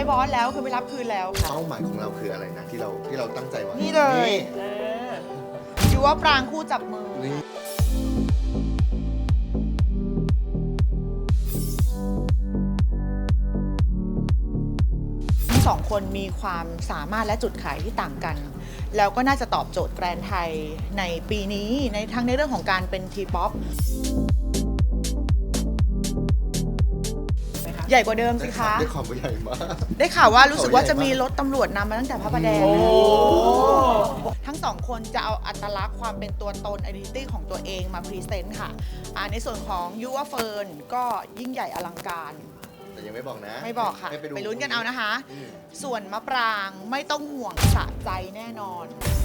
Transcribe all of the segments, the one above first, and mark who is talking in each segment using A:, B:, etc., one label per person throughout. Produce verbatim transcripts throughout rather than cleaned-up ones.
A: บอสแล้วคือไม่รับคืนแล้วค่ะ
B: เป้าหมายของเราคืออะไรนะที่เราที่เราตั้งใจไว้
A: นี่เลยยูว่าปรางคู่จับมือ
B: นี่
A: ทั้งสองคนมีความสามารถและจุดขายที่ต่างกันแล้วก็น่าจะตอบโจทย์แบรนด์ไทยในปีนี้ในทั้งในเรื่องของการเป็นทีป๊อปใหญ่กว่าเดิมสิคะ
B: ได้ข่าวว่าใหญ่มาก
A: ได้ข่าวว่ารู้สึกว่าจะมีรถตำรวจนำมาตั้งแต่พระประแดงทั้งสองคนจะเอาอัตลักษณ์ความเป็นตัวตน identity ของตัวเองมาพรีเซนต์ค่ะในส่วนของยูว่าเฟิร์นก็ยิ่งใหญ่อลังการ
B: แต่ยังไม่บอกนะ
A: ไม่บอกค่ะไปลุ้นกันเอานะคะส่วนมะปรางไม่ต้องห่วงสะใจแน่นอน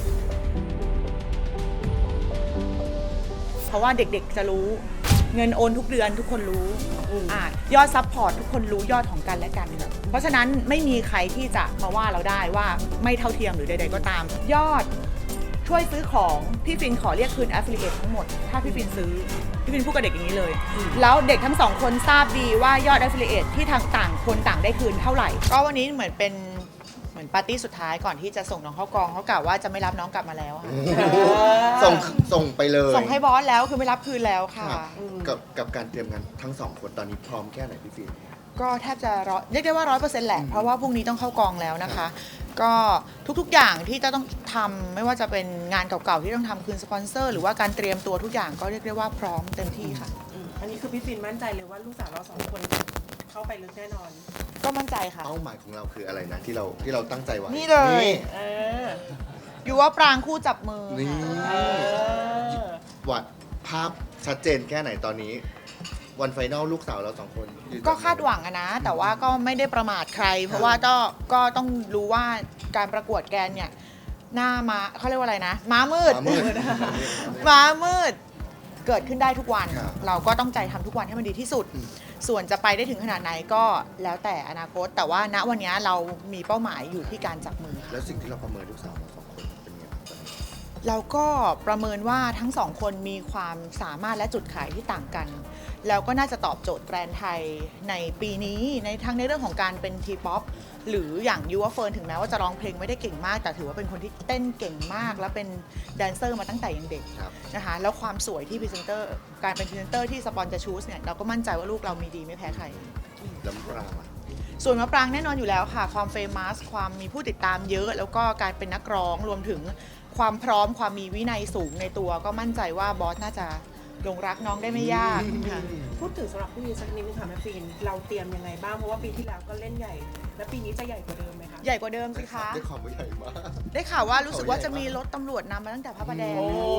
A: เพราะว่าเด็กๆจะรู้เงินโอนทุกเดือนทุกคนรู้อยอดซัพพอร์ตทุกคนรู้ยอดของกันและกันเพราะฉะนั้นไม่มีใครที่จะมาว่าเราได้ว่าไม่เท่าเทียมหรือใดๆก็ตามยอดช่วยซื้อของพี่ฟินขอเรียกคืน affiliate ทั้งหมดถ้าพี่ฟินซื้อพี่ฟินพูดกับเด็กอย่างนี้เลยแล้วเด็กทั้งสองคนทราบดีว่ายอด affiliate ที่ทางต่างคนต่างได้คืนเท่าไหร่ก็วันนี้เหมือนเป็นเหมือนปาร์ตี้สุดท้ายก่อนที่จะส่งน้องเข้ากองเขากล่าวว่าจะไม่รับน้องกลับมาแล้วค่ะ
B: ส่งส่งไปเลย
A: ส่งให้บอสแล้วคือไม่รับคืนแล้วค่ะ
B: กับกับการเตรียมงานทั้งสองคนตอนนี้พร้อมแค่ไหนพี่ฟิน
A: ก็แทบจะร้อยเรียกได้ว่าร้อยเปอร์เซ็นต์แหละเพราะว่าพรุ่งนี้ต้องเข้ากองแล้วนะคะก็ทุกๆอย่างที่จะต้องทำไม่ว่าจะเป็นงานเก่าๆที่ต้องทำคืนสปอนเซอร์หรือว่าการเตรียมตัวทุกอย่างก็เรียกได้ว่าพร้อมเต็มที่ค่ะ
C: อันนี้คือพี่ฟินมั่นใจเลยว่าลูกสาวเราสองคนเข้าไปลึกแน่นอน
A: ก็มั่นใจค่ะ
B: เป้าหมายของเราคืออะไรนะที่เราที่เราตั้งใจไว้
A: นี่เลยอยู่ว่าปรางคู่จับมือ
B: นี่วัดภาพชัดเจนแค่ไหนตอนนี้วันไฟนอลลูกสาวเราสองคน
A: ก็คาดหวังอะนะแต่ว่าก็ไม่ได้ประมาทใครเพราะว่าก็ก็ต้องรู้ว่าการประกวดแกนเนี่ยหน้าม้าเขาเรียกว่าอะไรนะม้ามืดม้ามืดเกิดขึ้นได้ทุกวันเราก็ต้องใจทำทุกวันให้มันดีที่สุดส่วนจะไปได้ถึงขนาดไหนก็แล้วแต่อนาคตแต่ว่าณวันนี้เรามีเป้าหมายอยู่ที่การจับมือ
B: แล้วสิ่งที่เราประเมินลูกสาวเราสองคนเป็นไงบ้าง
A: เราก็ประเมินว่าทั้งสองคนมีความสามารถและจุดขายที่ต่างกันแล้วก็น่าจะตอบโจทย์แบรนด์ไทยในปีนี้ในทั้งในเรื่องของการเป็นทีป๊อปหรืออย่างยูว่าเฟิร์นถึงแม้ว่าจะร้องเพลงไม่ได้เก่งมากแต่ถือว่าเป็นคนที่เต้นเก่งมากและเป็นแดนเซอร์มาตั้งแต่ยังเด็กนะคะแล้วความสวยที่พรีเซนเตอร์การเป็นพรีเซนเตอร์ที่สปอนจะชูสเนี่ยเราก็มั่นใจว่าลูกเรามีดีไม่แพ้ใคร
B: แล้วมะปราง
A: ส่วนมะปรางแน่นอนอยู่แล้วค่ะความเฟมัสความมีผู้ติดตามเยอะแล้วก็การเป็นนักร้องรวมถึงความพร้อมความมีวินัยสูงในตัวก็มั่นใจว่าบอสน่าจะหลงรักน้องได้ไม่ยากค่ะ
C: พูดถึงสำหรับพี่สักนิดนึงค่ะแม่ฟินเราเตรียมยังไงบ้างเพราะว่าปีที่แล้วก็เล่นใหญ่และปีนี้จะใหญ่กว่าเดิมไหมคะ
A: ใหญ่กว่าเดิมสิคะ
B: ได้ข่าวว่าใหญ่มาก
A: ได้ข่าวว่ารู้สึกว่าจะมีรถตำรวจนำมาตั้งแต่พระประแดง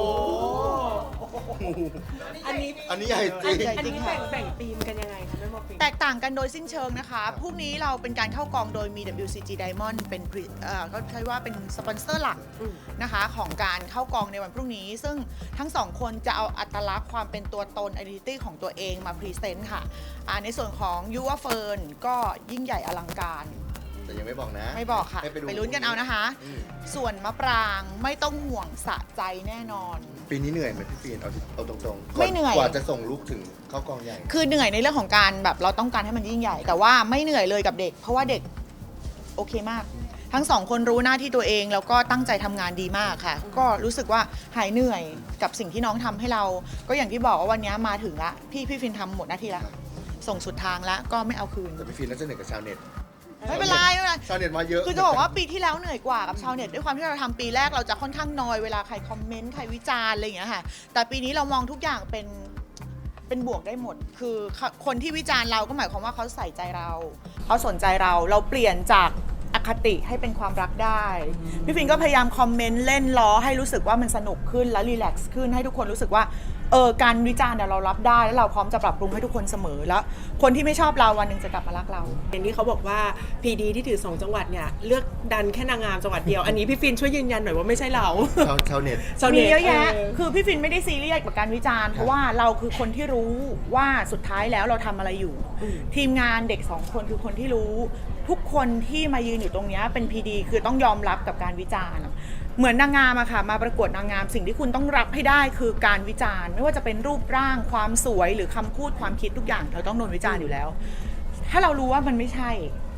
C: อันนี้
B: อันนี้ใหญ่จริง
C: อันนี้แบ่งทีมกันยังไงคะแม่หมอฟิน
A: แตกต่างกันโดยสิ้นเชิงนะคะพรุ่งนี้เราเป็นการเข้ากองโดยมี ดับเบิลยู ซี จี Diamond เป็นเขาใช้ว่าเป็นสปอนเซอร์หลักนะคะของการเข้ากองในวันพรุ่งนี้ซึ่งทั้งสองคนจะเอาอัตลักษณ์ความเป็นตัวตน identity ของตัวเองมาพรีเซนต์ค่ะในส่วนของยูว่าเฟิร์นก็ยิ่งใหญ่อลังการ
B: แต่ยังไม่บอกนะ
A: ไม่บอกค่ะไปลุ้นกันเอานะคะส่วนมะปรางไม่ต้องห่วงสะใจแน่นอน
B: ปีนี้เหนื่อยไหมพี่ฟินเอาเอาตรงๆ
A: ไม่เหนื่อย
B: กว่าจะส่งลูกถึงเข้ากองใหญ่
A: คือเหนื่อยในเรื่องของการแบบเราต้องการให้มันยิ่งใหญ่แต่ว่าไม่เหนื่อยเลยกับเด็กเพราะว่าเด็กโอเคมากทั้งสองคนรู้หน้าที่ตัวเองแล้วก็ตั้งใจทำงานดีมากค่ะก็รู้สึกว่าหายเหนื่อยกับสิ่งที่น้องทำให้เราก็อย่างที่บอกว่าวันนี้มาถึงละพี่พี่ฟินทำหมดหน้าที่ละส่งสุดทางแล้วก็ไม่เอาคืน
B: แต่พี่ฟินน่าจะเหนื่อยกับชาวเน็ต
A: ไม่เป็นไรไม่เป็นไร
B: ชาวเน็ตมาเยอะ
A: คือจะบอกว่าปีที่แล้วเหนื่อยกว่ากับชาวเน็ตด้วยความที่เราทำปีแรกเราจะค่อนข้างนอยเวลาใครคอมเมนต์ใครวิจารณ์อะไรอย่างเงี้ยค่ะแต่ปีนี้เรามองทุกอย่างเป็นเป็นบวกได้หมดคือคนที่วิจารณ์เราก็หมายความว่าเขาใส่ใจเราเขาสนใจเราเราเปลี่ยนจากอคติให้เป็นความรักได้พี่ฟินก็พยายามคอมเมนต์เล่นล้อให้รู้สึกว่ามันสนุกขึ้นและรีแลกซ์ขึ้นให้ทุกคนรู้สึกว่าเออการวิจารณ์เรารับได้แล้วเราพร้อมจะปรับปรุงให้ทุกคนเสมอแล้วคนที่ไม่ชอบเราวันหนึ่งจะกลับมารักเรา
C: อย่างที่เขาบอกว่าพีดีที่ถือสองจังหวัดเนี่ยเลือกดันแค่นางงามจังหวัดเดียวอันนี้พี่ฟินช่วยยืนยันหน่อยว่าไม่ใช่เรา
B: ชาวเน็ต
A: มีเยอะแยะคือพี่ฟินไม่ได้ซีเรียสกับการวิจารณ์เพราะว่าเราคือคนที่รู้ว่าสุดท้ายแล้วเราทำอะไรอยู่ทีมงานเด็กสองคนคือคนที่รู้ทุกคนที่มายืนอยู่ตรงนี้เป็นพีดีคือต้องยอมรับกับการวิจารณ์เหมือนนางงามอะค่ะมาประกวดนางงามสิ่งที่คุณต้องรับให้ได้คือการวิจารณ์ไม่ว่าจะเป็นรูปร่างความสวยหรือคำพูดความคิดทุกอย่างเราต้องโดนวิจารณ์อยู่แล้วถ้าเรารู้ว่ามันไม่ใช่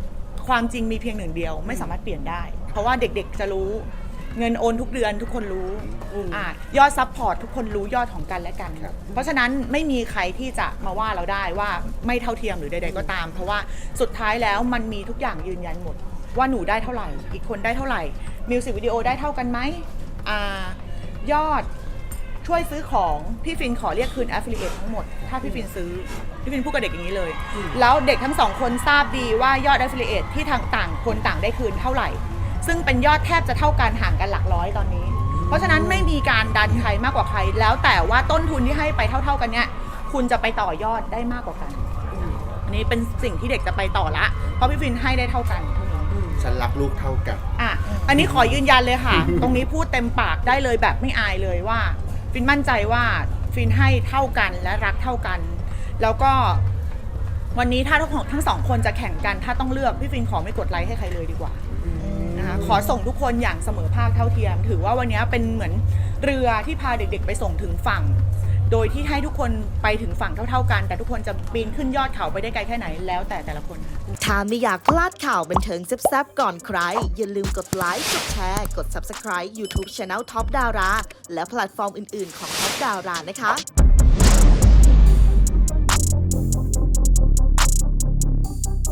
A: ความจริงมีเพียงหนึ่งเดียวไม่สามารถเปลี่ยนได้ เพราะว่าเด็กๆจะรู้เงินโอนทุกเดือนทุกคนรู้อ่ายอดซัพพอร์ตทุกคนรู้ยอดของกันและกัน เพราะฉะนั้นไม่มีใครที่จะมาว่าเราได้ว่าไม่เท่าเทียมหรือใดๆก็ตาม เพราะว่าสุดท้ายแล้วมันมีทุกอย่างยืนยันหมดว่าหนูได้เท่าไหร่อีกคนได้เท่าไหร่มิวสิกวิดีโอได้เท่ากันไหมอ่ายอดช่วยซื้อของพี่ฟินขอเรียกคืน affiliate ทั้งหมดถ้าพี่ฟินซื้อพี่ฟินพูดกับเด็กอย่างนี้เลยแล้วเด็กทั้งสองคนทราบดีว่ายอด affiliate ที่ทางต่างคนต่างได้คืนเท่าไหร่ซึ่งเป็นยอดแทบจะเท่ากันห่างกันหลักร้อยตอนนี้ เพราะฉะนั้นไม่มีการดันใครมากกว่าใครแล้วแต่ว่าต้นทุนที่ให้ไปเท่าๆกันเนี่ยคุณจะไปต่อยอดได้มากกว่ากันอันนี้เป็นสิ่งที่เด็กจะไปต่อละเพราะพี่ฟินให้ได้เท่ากันเท่านี้
B: ฉันรักลูกเท่ากัน
A: อ่ะอันนี้ขอยืนยันเลยค่ะ ตรงนี้พูดเต็มปากได้เลยแบบไม่อายเลยว่าฟินมั่นใจว่าฟินให้เท่ากันและรักเท่ากัน แล้วก็วันนี้ถ้าทั้งทั้งสองคนจะแข่งกันถ้าต้องเลือกพี่ฟินขอไม่กดไลค์ให้ใครเลยดีกว่านะคะขอส่งทุกคนอย่างเสมอภาคเท่าเทียม ถือว่าวันนี้เป็นเหมือนเรือที่พาเด็กๆไปส่งถึงฝั่ง โดยที่ให้ทุกคนไปถึงฝั่งเท่าๆกัน แต่ทุกคนจะปีนขึ้นยอดเขาไปได้ไกลแค่ไหนแล้วแต่แต่ละคน
D: ถ้าไม่อยากพลาดข่าวบันเทิงแซ่บๆก่อนใคร อย่าลืมกดไลค์ กดแชร์ กด Subscribe YouTube Channel Top Dara และแพลตฟอร์มอื่นๆของ Top Dara นะคะ